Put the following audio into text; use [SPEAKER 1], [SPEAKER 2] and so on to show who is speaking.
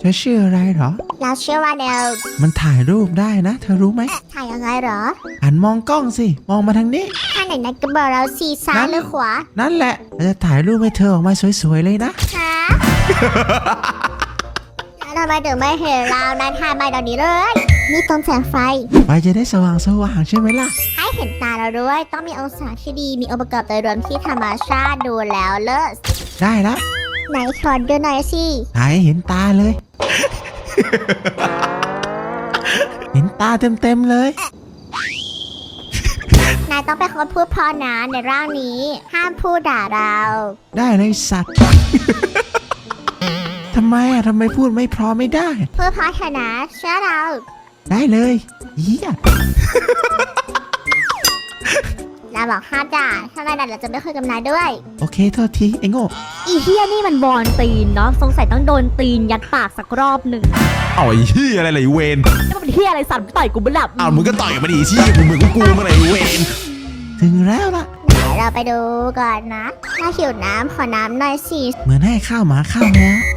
[SPEAKER 1] ธอชื่ออะไรเหรอ
[SPEAKER 2] เราชื่อว่าเดล
[SPEAKER 1] มันถ่ายรูปได้นะเธอรู้ไหม
[SPEAKER 2] ถ่ายยังไงเหรอ
[SPEAKER 1] หันมองกล้องสิมองมาทางนี้
[SPEAKER 2] ถ้าไหนนัดก็บอกเราสีซ้ายหรือขวา
[SPEAKER 1] นั่นแหละเราจะถ่ายรูปให้เธอออกมาสวยๆเลยนะ
[SPEAKER 2] ฮะทำไมถึงไม่เห็นเรานะถ่ายมาตอนนี้เลยนี่ต้นแสงไฟ
[SPEAKER 1] ไฟจะได้สว่างใช่ไหมล่ะ
[SPEAKER 2] ให้เห็นตาเราด้วยต้องมีองศาที่ดีมีองค์ประกอบโดยรวมที่ธรรมชาติดูแล้วเลิศ
[SPEAKER 1] ได้แล้ว
[SPEAKER 2] ไหนขอดูหน่อยสิ
[SPEAKER 1] ถ่ายให้เห็นตาเลย เห็นตาเต็มเลย
[SPEAKER 2] นายต้องเป็นคนพูดพอนะในร่างนี้ห้ามพูดด่าเรา
[SPEAKER 1] ได้เลยสัตว์ ทำไมพูดไม่พอไม่ได้
[SPEAKER 2] พูดพอเถอะนะเชื่อเรา
[SPEAKER 1] ได้เลยเยี่ย
[SPEAKER 2] เราบอกห้ามด่าถ้านายด่าเราจะไม่คุยกับนายด้วย
[SPEAKER 1] โอเคโทษทีไอ้โง่
[SPEAKER 3] อีเฮียนี่มันบอลตีนเนาะสงสัยต้องโดนตีนยัดปากสักรอบหนึ่ง
[SPEAKER 4] เอาไอ้เฮียอะไรล่ะไอ้เวน
[SPEAKER 3] แล้วมันเฮียอะไรสั่นต่อยกูบ้าหลับ
[SPEAKER 4] เอามึงก็ต่อยมาดิชี้มึงกูมาไหนไอ้เวน
[SPEAKER 1] ถึงแล้วล่ะ
[SPEAKER 2] เดี๋ยวเราไปดูก่อนนะถ้าหิวน้ำขอน้ำหน่อยสิ
[SPEAKER 1] เหมือนให้ข้าวหมาข้าวแมว